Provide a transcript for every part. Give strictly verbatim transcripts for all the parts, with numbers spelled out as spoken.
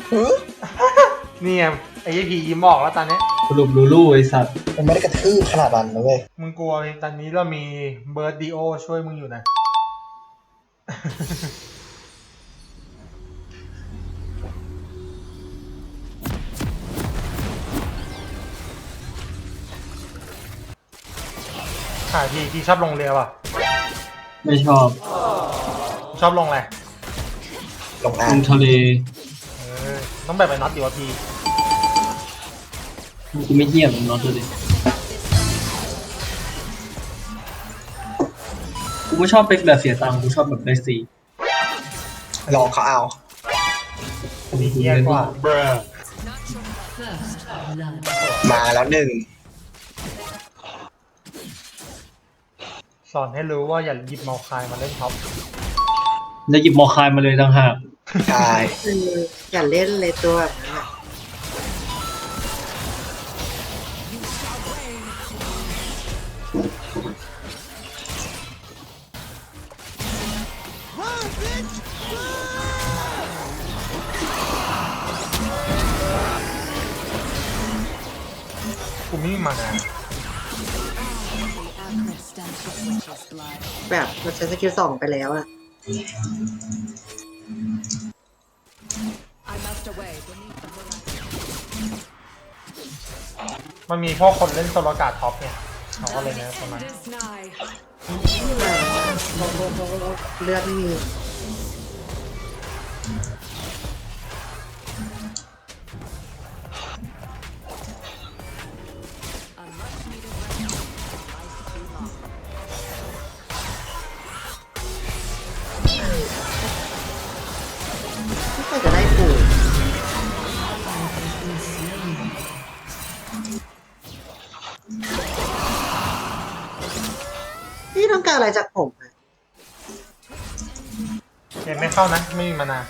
นี่ไงไอ้พียิ้มออกแล้วตอนนี้สรุปลูลูไอสัตว์มันไม่ได้กระทืบขนาดนั้นนะเว้ยมึงกลัวตอนนี้เรามีเบิร์ดดีโอช่วยมึงอยู่นะค่ะพี่พี่ชอบลงเรือป่ะไม่ชอบชอบลงอะไรลงลงทะเลเออต้องแบบไปน็อตดีวะพี่กูไม่เหี้ยมันน็อตเลยกูไม่ชอบเป็นแบบเสียตังค์กูชอบแบบได้สีลองเขาเอาดีเยี่ยกว่ามาแล้วหนึ่งสอนให้รู้ว่าอย่าหยิบเมาคายมาเล่นท็อปแล้วหยิบมอคายมาเลยต่างหากใช่อย่าเล่นเลยตัวแบบนั้นอะกูไม่มีมานาแบบเราใช้สกิลสองไปแล้วอะมันมีพวกคนเล่นโซโลการ์ดท็อปเนี่ยเขาก็เลยนะประมาณเลือดไม่มีไม่เคยจะได้ปูพี่ต้องการอะไรจากผมอะเกมไม่เข้านะไม่มีมานา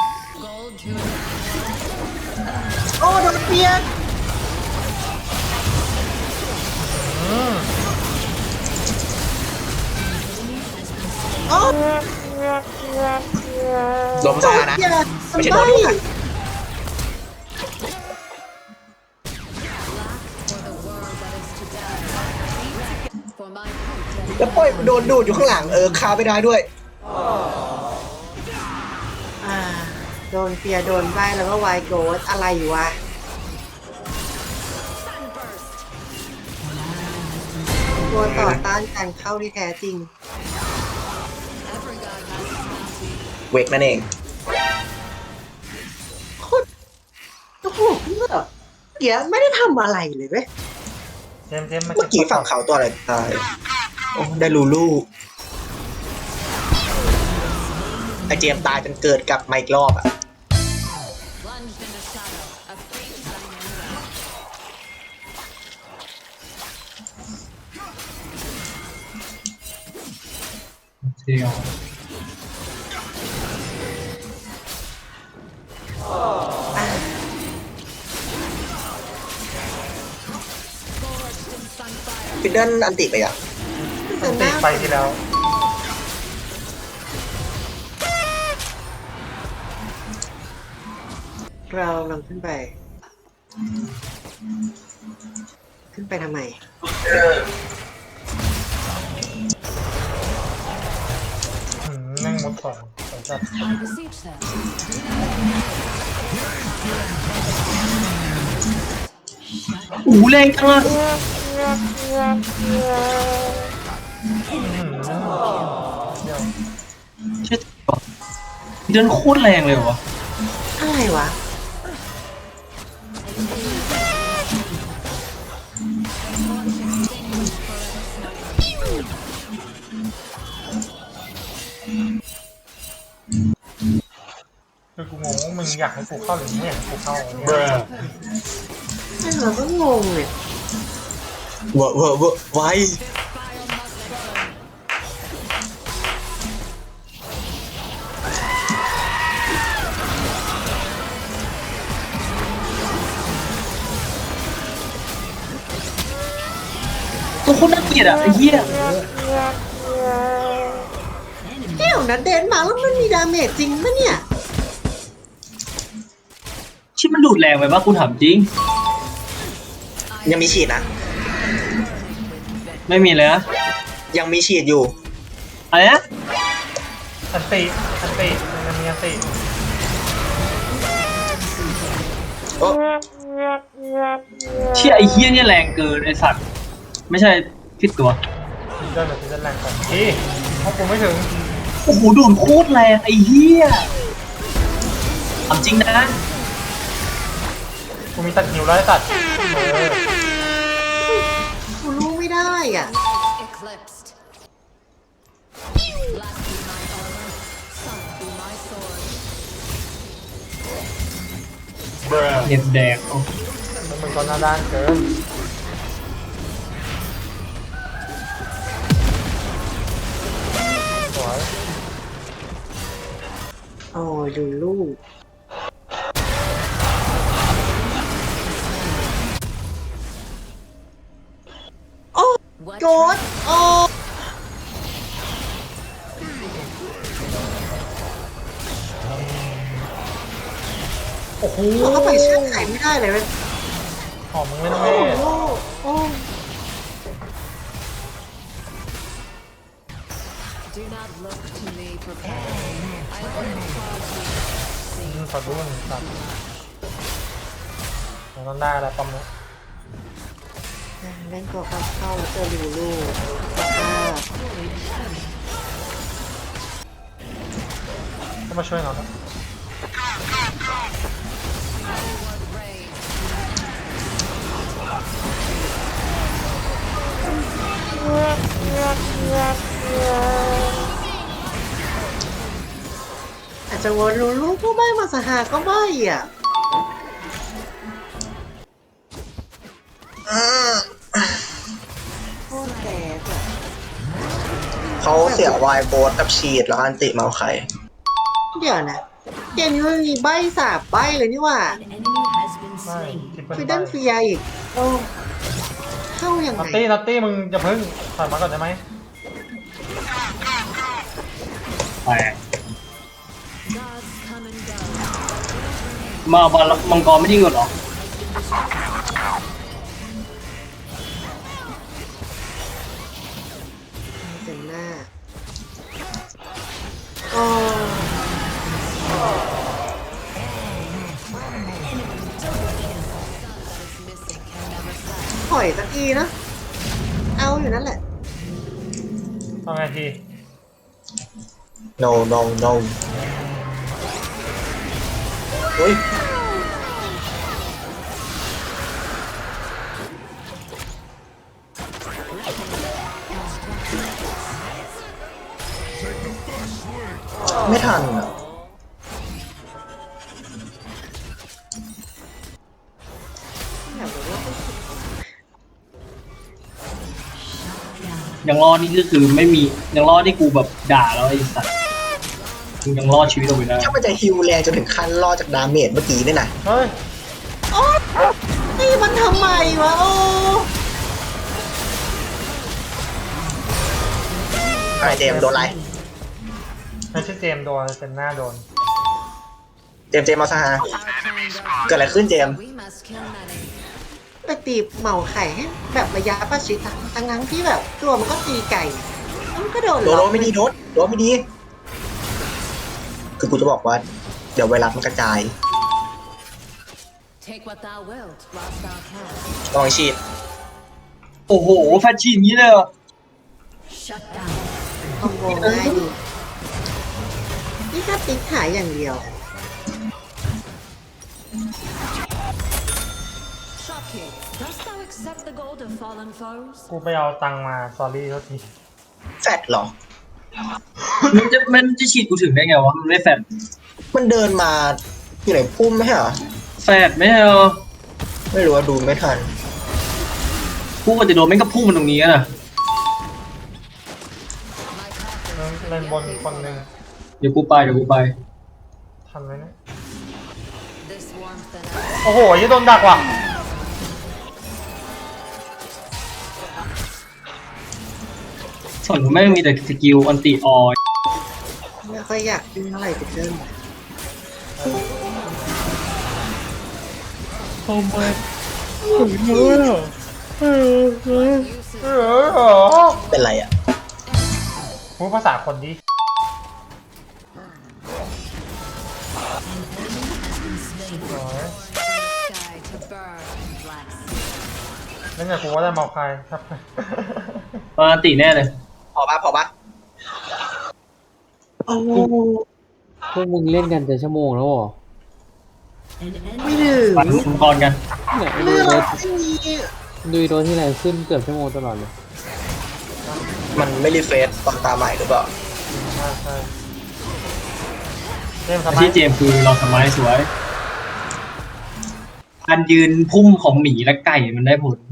โอ้โดนเปียกโอ้ลงซานะไม่ใช่โดนลูกค่ะแล้วปล่อยโดนดูดอยู่ข้างหลังเออคาไม่ได้ด้วยอ่าโดนเปียโดนใบแล้วก็ไวโกดอะไรอยู่วะตัวต่อต้านการเข้าที่แท้จริงเวกนั่นเองโคตรโอ้โหเมื่อกี้ไม่ได้ทำอะไรเลยเว้ยเจมเจมเมื่อกี้ฝั่งเขาตัวอะไรตายโอ้ได้ลูลูไอเจมตายจนเกิดกลับมาอีกรอบอ่ะเที่ยวฟิดเดิลอันติไปอ่ะอันติไปที่แล้วเราลองขึ้นไปขึ้นไปทำไมนั่งมดสองสองจัดอู้แรงจังอะเช่เดินโคตรแรงเลยวะอะไรวะคือกูงงว่ามึงอยากให้กูเข้าหรือไม่อยากให้กูเข้าเนี่ยเราก็งงเลยเวอร์เวอร์เวอร์ไวตัวโคตรน่าเกลียดอะไอ้เหี้ยเที่ยวนั้นเดนมาแล้วมันมีดาเมจจริงปะเนี่ยชิบมันดูดแรงไปปะกูถามจริงยังมีฉีดนะไม่มีเลยนะยังมีฉีดอยู่อะไรนะอันติอันติมันมีอันติโอ้เชี่ยไอ้เฮี้ยเนี่ยแรงเกินไอ้สัตว์ไม่ใช่ผิดตัวพิเดินหรือพิเดินแรงกว่าพี่เพราะกูไม่ถึงโอ้โหดูดโคตรแรงไอ้เฮี้ยถามจริงนะกูมีตัดหิวแล้วไอ้ตัดเออกูรู้ไม่ได้อ่ะ Eclipsed. Black be my armor, sun be my sword. เน็ตแดงโอ้แล้วมึงก็หน้าด้านเกินสวยโอ้ยดูลูก โอ้ What โจดโอ้โอ้โหเขาเข้าไปเชื่อไขไม่ได้เลยเว้ยหอมมึงไม่ต้องโอ้เล่โหโอ้ Do not look to me for power. I will cause you to see ขอดูมันสัตว์มันต้องได้แล้วปั๊มเนี้ยเล่นตัวเข้าเข้าแล้วเจอลูลูสภาพก็มาช่วยเราแล้วอาจจะวนลูลูก็ไม่มาสหาก็ไม่อ่ะ โคตรแตกอ่ะเขาเสียวายโบสกับฉีดแล้วอันติเมาไข่เดี๋ยวนะ เกมนี้มันมีใบสาบใบเลยนี่หว่า An enemy has been ไม่ slain. คิดเป็นคือไปดันเฟียอีก โอ้เข้ายังนัตไงตี้นัตตี้มึงจะพึ่งถอยมาก่อนได้ไหมแปลก Gods come and go. มาบอลมังกรไม่ยิงหรอเต็มหน้าโอ้ Missing can never stop. ถอยสักทีนะ เอาอยู่นั่นแหละเอาไงที no no no เฮ้ย ไม่ทันอ่ะยังรอดนี่ก็คือไม่มียังรอดที่กูแบบด่าแล้วไอ้สัตว์มึงยังรอดชีวิตเอาไว้ได้ถ้ามันจะฮิวแรงจนถึงขั้นรอดจากดาเมจเมื่อกี้เนี่ยนะเฮ้ยโอ้นี่มันทำไมวะ โอ้ไอเจมส์โดนอะไรไม่ใช่เจมส์โดนเป็นหน้าโดนเจมส์เจมส์มาซะฮะ Our kind เกิดอะไรขึ้นเจมส์ we must kill many. ไปตีเหมาไข่ให้แบบระยะประชิดอะทั้งนั้นที่แบบตัวมันก็ตีไก่มันก็โดนโดนล็โดอกนไม่ดีโดนโดนไม่ดี คือกูจะบอกว่า เดี๋ยวไวรัสมันกระจาย Take what thou wilt, whilst thou canst. ลองฉีดโอ้โหแฟชชี่อย่างนี้เลยเหรอ Shut down. คอมโบง่ายดีนี่ถ้าติ๊กหายอย่างเดียว Shocking. Dost thou accept the gold of fallen foes? กูไปเอาตังค์มา s อรี่เท่าทีแฟดเหรอมันจะมันจะฉีดกูถึงได้ไงวะมันไม่แฟดมันเดินมาอยู่ไหนพุ่มไหมเหรอแฟดไม่ใช่เหรอไม่รู้ว่าดูไม่ทันกูก็จะโดนแม่งก็พุ่งมันตรงนี้อะนะ My coffin เล่นบนคนหนึ่งเดี๋ยวกูไปเดี๋ยวกูไปทันไหมเนี่ย This warmth and ice. โอ้โหยี่โดนดักว่ะส่วนกูแม่งมีแต่สกิลอันติออยไม่ค่อยอยากยุ่งเท่าไหร่กับเดิมทำไมเออเออเออเออเออเป็นไรอ่ะพูดภาษาคนดิโอ้ย Sky to burn, black sea. นั่นไงกูว่าได้เมาคายครับปกติแน่เลยพอปะพอปะโอ้พวกมึงเล่นกันจะชั่วโมงแล้วเหรอไม่ถึงปันมังกรกันเนี่ยดูเรื่องรถไม่มีดูรถที่ไรขึ้นเกือบชั่วโมงตลอดเลยมันไม่รีเฟรชตอนตาใหม่หรือเปล่าใช่ใช่เล่นทำไมที่เจมส์คือเราสมัยสวยการยืนพุ่มของหมีและไก่มันได้ผล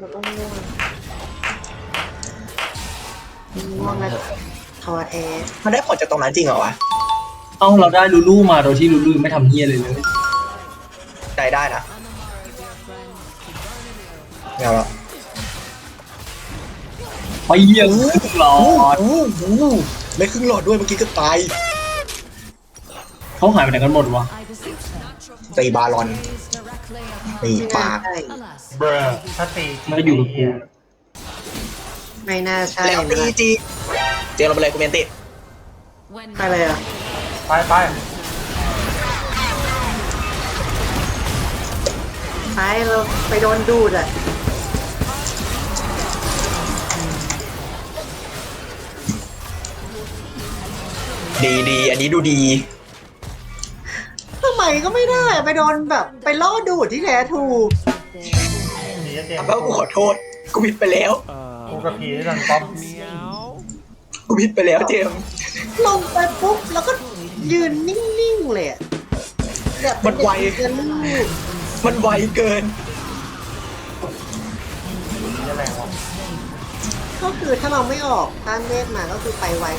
ง่วงนะทอแท้มันได้ผลจากตรงนั้นจริงเหรอวะเอ้าเราได้ลูลูมาโดยที่ลูลูไม่ทำเฮียเลยเลยได้ได้นะเงาละไปเยี่ยมทุกหลอดอู้หูไม่ครึ่งหลอดด้วยเมื่อกี้ก็ตายเขาหายไปไหนกันหมดวะ I beseech them. ตีบาลอน Gaze directly upon ตีไม่ปาน่าก ใช่ Alas, เบรถ้าตีไม่อยู่กับกูไม่น่าใช่แล้วตีนะจีเจมเราไปเลยกูเมนติ when ไปเลยเหรอ่ะไปไปไปเราไปโดนดูดอ่ะดีดีอันนี้ดูดีทำไมก็ไม่ได้อะไปโดนแบบไปล่อดูดที่แท้ถูกหนีเจมก็กูขอโทษ กูผิดไปแล้วกูกับผีดันป้อมกูผิดไปแล้วเจมส์ลงไปปุ๊บแล้วก็ยืนนิ่งๆเลยอะแบบมันไวเดินลูกมันไวเกินผีอะไรวะก็คือถ้าเราไม่ออกต้านเวทมาก็คือไปไว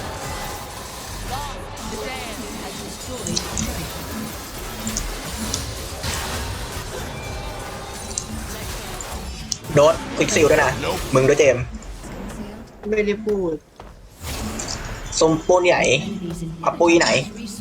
โดดควิกซิลด้วยนะ มึงด้วยเจมส์ไม่ได้พูดส้มปูนใหญ่พับปุ้ยไหน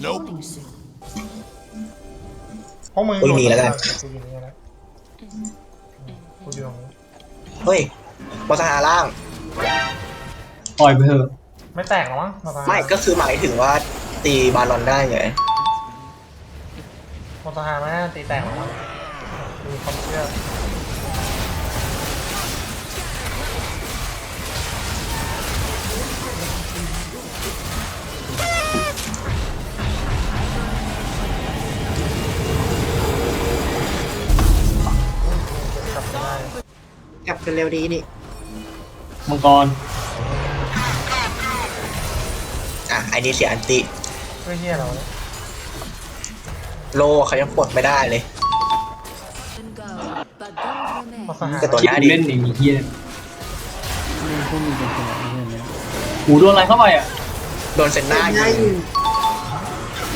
พวกมึงอุ้ยมีแล้วกันกูอยู่นี่แล้วกูอยู่ตรงนี้เฮ้ยมอสหาล่างปล่อยไปเถอะไม่แตกหรอมั้งมาตาไม่ก็คือหมายถึงว่าตีบาลอนได้ไงมาตาหาไม่น่าตีแตกหรอมั้งมีความเชื่อกลับไม่ได้กลับกันเร็วดีนี่มังกรอ่ะไอ้นี่เสียอันติเพื่อเฮียเราเนี่ยโลเขายังปลดไม่ได้เลย and go, but don't remain. มาตาหาแต่ตัวคิดเล่นอย่างนี้เฮียพวกมึงเป็นคนอะไรเนี่ยหูโดนอะไรเข้าไปอ่ะโดนเซนหน้าหน้ายิยิงง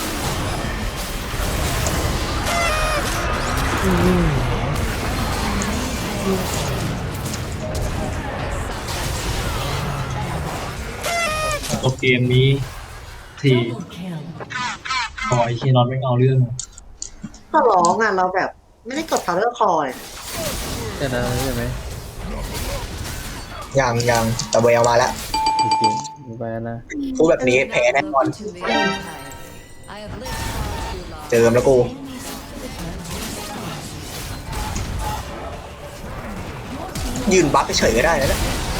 ตัวเกมนี้ทีคอยเฮียนอนไม่เอาเรื่องก็ร้องอ่ะเราแบบไม่ได้กด power call เลยจะได้ใช่ไหมยังยังแต่เวลมาแล้วจริงๆไปแล้วนะพูดแบบนี้แพ้แน่นอน Look to me, Empire. I have lived far too long. เจิมแล้วกู ยืนบัฟเฉยๆก็ได้นะ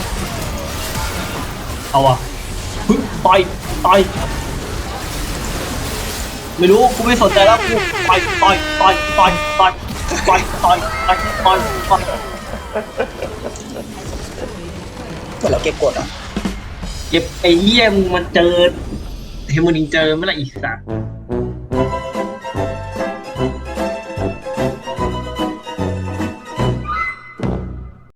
เอาอ่ะพึ่งต่อยต่อยไม่รู้กูไม่สนใจแล้วกูต่อยต่อยต่อยต่อยต่อยต่อยต่อยต่อยต่อยต่อยเหมือนเราเก็บกดอ่ะเก็บไอ้เหี้ยมึงมันเจอเฮมูนิงเจอเมื่อไหร่อีกสัตว์